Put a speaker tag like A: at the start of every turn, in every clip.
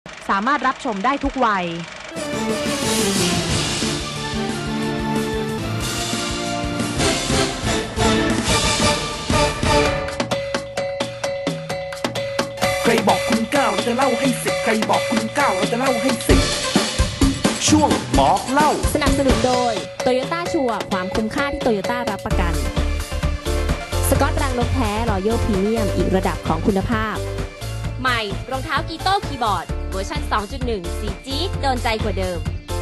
A: สามารถรับชมได้ทุกวัย
B: ใครบอกคุณเก้าเราจะเล่าให้สิบใครบอกคุณเก้าเราจะเล่าให้สิบช่วงบอกเล่า
C: สนับสนุนโดย Toyota ชัวร์ความคุ้มค่าที่ Toyota รับประกันสกอตรังนกแท้รอยัลพรีเมียมอีกระดับของคุณภาพใหม่รองเท้ากีโต้คีย์บอร์ดเวอร์ชัน 2.1 สีจี๊ดโดนใจกว่าเดิม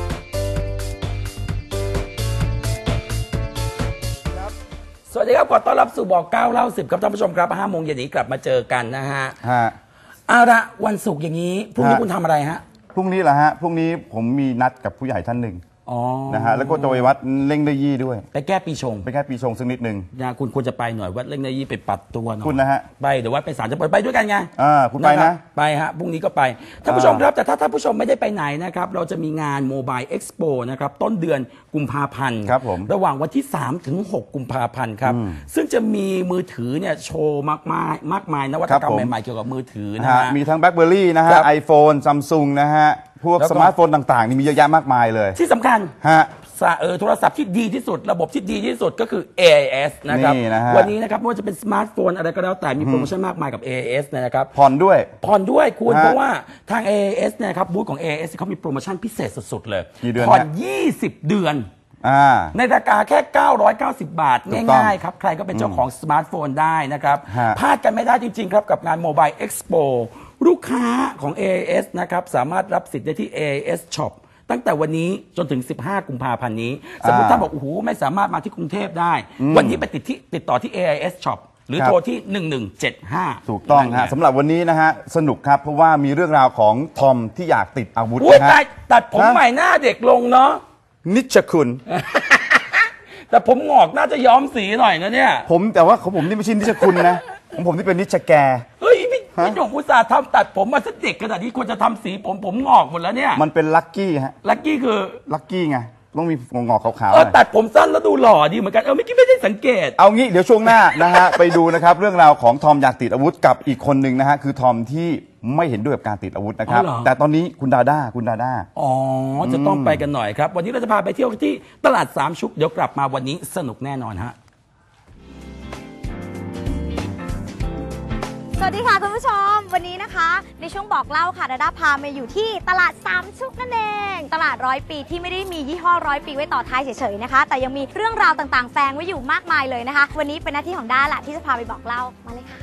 D: สวัสดีครับขอต้อนรับสู่บอก9เล่า10ครับท่านผู้ชมครับ5 โมงเย็นนี้กลับมาเจอกันนะฮะเอาละวันศุกร์อย่างนี้พรุ่งนี้คุณทำอะไรฮะ
E: พรุ่งนี้เหรอฮะพรุ่งนี้ผมมีนัดกับผู้ใหญ่ท่านหนึ่งนะฮะแล้วก็จะไปวัดเล่งได้ยี่ด้วย
D: ไปแก้ปีชง
E: สักนิดหนึ่ง
D: นะคุณควรจะไปหน่อยวัดเล่งได้ยี่ไปปัดตัวหน่อย
E: คุณนะฮะ
D: ไปเดี๋ยววัดไปศาลจะไปด้วยกันไง
E: คุณไปนะ
D: ไปฮะพรุ่งนี้ก็ไปท่านผู้ชมครับแต่ถ้าท่านผู้ชมไม่ได้ไปไหนนะครับเราจะมีงานโมบายเอ็กซ์โปนะครับต้นเดือนกุมภาพันธ์
E: ครับผม
D: ระหว่างวันที่3 ถึง 6 กุมภาพันธ์ครับซึ่งจะมีมือถือเนี่ยโชว์มากมายนวัตกรรมใหม่ๆเกี่ยวกับมือถือนะฮะ
E: มีทั้งแบล็คเบอร์รี่นะฮะไอโฟนซัมซุงนะฮะพวกสมาร์ทโฟนต่างๆนี่มีเยอะแยะมากมายเลย
D: ที่สำคัญโทรศัพท์ที่ดีที่สุดระบบที่ดีที่สุดก็คือ AIS นะครับวันนี้นะครับไม่ว่าจะเป็นสมาร์ทโฟนอะไรก็แล้วแต่มีโปรโมชั่นมากมายกับ AIS นะครับ
E: ผ่อนด้วย
D: คุณเพราะว่าทาง AIS นะครับบูธของ AIS เขามีโปรโมชั่นพิเศษสุดๆเลยผ่อน20 เดือนในราคาแค่990 บาทง่ายๆครับใครก็เป็นเจ้าของสมาร์ทโฟนได้นะครับพลาดกันไม่ได้จริงๆครับกับงาน Mobile Expo ลูกค้าของ AIS นะครับสามารถรับสิทธิ์ได้ที่ AIS Shopตั้งแต่วันนี้จนถึง15 กุมภาพันธ์นี้สมมติถ้าบอกโอ้โหไม่สามารถมาที่กรุงเทพได้วันนี้ไปติดต่อที่ AIS Shop หรือโทรที่1175
E: ถูกต้องฮะสำหรับวันนี้นะฮะสนุกครับเพราะว่ามีเรื่องราวของทอมที่อยากติดอาวุธ
D: นะฮะตัดผมใหม่หน้าเด็กลงเนาะ
E: นิชคุณ
D: แต่ผมงอกน่าจะย้อมสีหน่อยนะเนี่ย
E: แต่ว่าของผมนี่ไม่ใช่นิชคุณนะของผมนี่เป็นนิชแก
D: เฮ้ยพี่หนุ่มอุตส่าห์ทำตัดผมมาสักเด็กขนาดนี้ควรจะทำสีผมงอกหมดแล้วเนี่ย
E: มันเป็นลัคกี้ฮะ
D: ลัคกี้คือ
E: ลัคกี้ไงต้องมีงอกขาว
D: ๆตัดผมสั้นแล้วดูหล่อดีเหมือนกันไม่ได้สังเกต
E: เอางี้เดี๋ยวช่วงหน้านะฮะไปดูนะครับเรื่องราวของทอมอยากติดอาวุธกับอีกคนหนึ่งนะฮะคือทอมที่ไม่เห็นด้วยกับการติดอาวุธนะครับแต่ตอนนี้คุณดาด้า
D: จะต้องไปกันหน่อยครับวันนี้เราจะพาไปเที่ยวที่ตลาดสามชุกเดี๋ยวกลับมาวันนี้สนุกแน่นอนฮะ
F: สวัสดีค่ะคุณผู้ชมวันนี้นะคะในช่วงบอกเล่าค่ะดาด้าพามาอยู่ที่ตลาดสามชุกนั่นเองตลาด100 ปีที่ไม่ได้มียี่ห้อ100 ปีไว้ต่อท้ายเฉยๆนะคะแต่ยังมีเรื่องราวต่างๆแฝงไว้อยู่มากมายเลยนะคะวันนี้เป็นหน้าที่ของด้าแหละที่จะพาไปบอกเล่ามาเลยค่ะ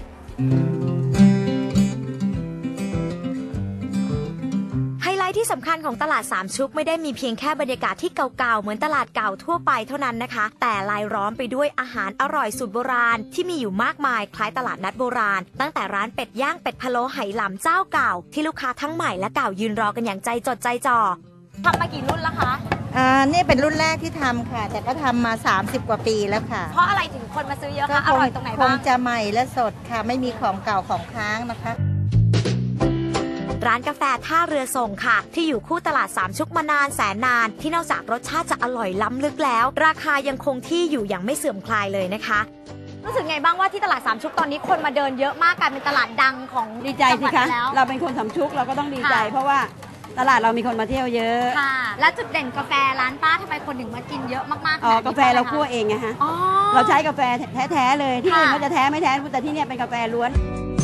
F: ไฮไลท์ที่สำคัญของตลาดสามชุกไม่ได้มีเพียงแค่บรรยากาศที่เก่าๆเหมือนตลาดเก่าทั่วไปเท่านั้นนะคะแต่ลายล้อมไปด้วยอาหารอร่อยสูตรโบราณที่มีอยู่มากมายคล้ายตลาดนัดโบราณตั้งแต่ร้านเป็ดย่างเป็ดพะโล้ไหหลำเจ้าเก่าที่ลูกค้าทั้งใหม่และเก่ายืนรอกันอย่างใจจดใจจ่อทำมากี่รุ่นแล้วคะ
G: นี่เป็นรุ่นแรกที่ทำค่ะแต่ก็ทำมา30 กว่าปีแล้วค่ะ
F: เพราะอะไรถึงคนมาซื้อเยอะคะอร่อยตรงไหนบ้าง
G: คงจะใหม่และสดค่ะไม่มีของเก่าของค้างนะคะ
F: ร้านกาแฟท่าเรือส่งค่ะที่อยู่คู่ตลาดสามชุกมานานแสนนานที่นอกจากรสชาติจะอร่อยล้ำลึกแล้วราคายังคงที่อยู่อย่างไม่เสื่อมคลายเลยนะคะรู้สึกไงบ้างว่าที่ตลาดสามชุกตอนนี้คนมาเดินเยอะมากกลายเป็นตลาดดังของ
G: ดีใจสิคะเราเป็นคนสามชุกเราก็ต้องดีใจเพราะว่าตลาดเรามีคนมาเที่ยวเยอะ
F: ค่ะและจุดเด่นกาแฟร้านป้าทำไมคนถึงมากินเยอะมากๆ
G: กาแฟเราคั่วเองไงฮะเราใช้กาแฟแท้ๆเลยที่อื่นเขาจะแท้ไม่แท้แต่ที่นี่เป็นกาแฟล้วน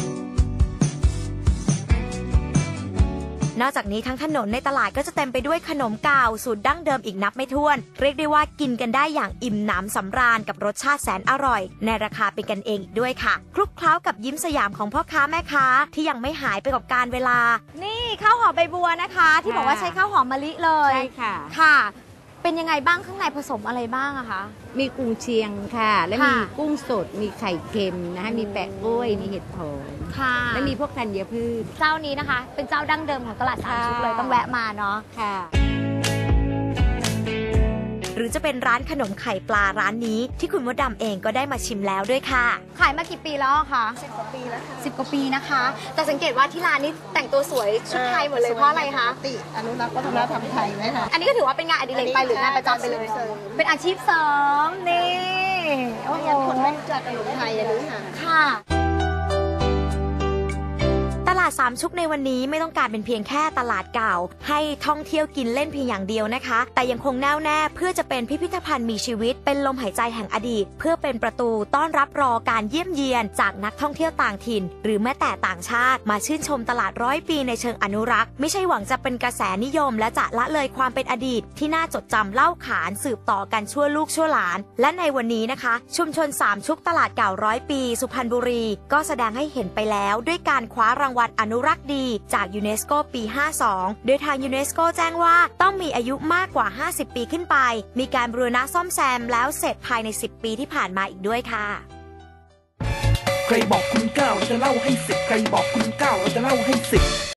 F: นอกจากนี้ทั้งถนนในตลาดก็จะเต็มไปด้วยขนมเก่าสูตรดั้งเดิมอีกนับไม่ถ้วนเรียกได้ว่ากินกันได้อย่างอิ่มหนำสำราญกับรสชาติแสนอร่อยในราคาเป็นกันเองอีกด้วยค่ะคลุกเคล้ากับยิ้มสยามของพ่อค้าแม่ค้าที่ยังไม่หายไปกับการเวลานี่ข้าวหอมใบบัวนะคะที่บอกว่าใช้ข้าวหอมมะลิเลย
G: ใช่ค่ะ
F: ค่ะเป็นยังไงบ้างข้างในผสมอะไรบ้างอะคะ
G: มีกุ้งเชียงค่ะและมีกุ้งสดมีไข่เค็มนะคะมีแปะกล้วยมีเห็ดหอม
F: ค่ะ
G: และมีพวกธัญพืช
F: เจ้านี้นะคะเป็นเจ้าดั้งเดิมของตลาดสามชุกเลยต้องแวะมาเนาะ
G: ค่ะ
F: หรือจะเป็นร้านขนมไข่ปลาร้านนี้ที่คุณมดดำเองก็ได้มาชิมแล้วด้วยค่ะขายมากี่ปีแล้วคะ
G: 10 กว่าปีแล้วค่ะ
F: 10 กว่าปีนะคะแต่สังเกตว่าที่ร้านนี้แต่งตัวสวยชุดไทยหมดเลยเพราะอะไรคะ
G: อนุรักษ์วัฒนธรรมไทยไหมคะ
F: อันนี้ก็ถือว่าเป็นงานอดิเรกไปหรืองานประจำไปเลยเป็นอาชีพเสริมนี่
G: โอ้โหคนไม่รู้จักขนมไทยอย่างนี้ค่ะ
F: ลาดสามชุกในวันนี้ไม่ต้องการเป็นเพียงแค่ตลาดเก่าให้ท่องเที่ยวกินเล่นเพียงอย่างเดียวนะคะแต่ยังคงแน่วแน่เพื่อจะเป็นพิพิธภัณฑ์มีชีวิตเป็นลมหายใจแห่งอดีตเพื่อเป็นประตูต้อนรับรอการเยี่ยมเยียนจากนักท่องเที่ยวต่างถิ่นหรือแม้แต่ต่างชาติมาชื่นชมตลาด100 ปีในเชิงอนุรักษ์ไม่ใช่หวังจะเป็นกระแสนิยมและจะละเลยความเป็นอดีตที่น่าจดจำเล่าขานสืบต่อกันชั่วลูกชั่วหลานและในวันนี้นะคะชุมชนสามชุกตลาดเก่า100 ปีสุพรรณบุรีก็แสดงให้เห็นไปแล้วด้วยการคว้ารางวัลอนุรักษ์ดีจากยูเนสโกปี 52 โดยทางยูเนสโกแจ้งว่าต้องมีอายุมากกว่า 50 ปีขึ้นไปมีการบูรณะซ่อมแซมแล้วเสร็จภายใน 10 ปีที่ผ่านมาอีกด้วยค่ะ
B: ใครบอกคุณ9เราจะเล่าให้10ใครบอกคุณ9เราจะเล่าให้10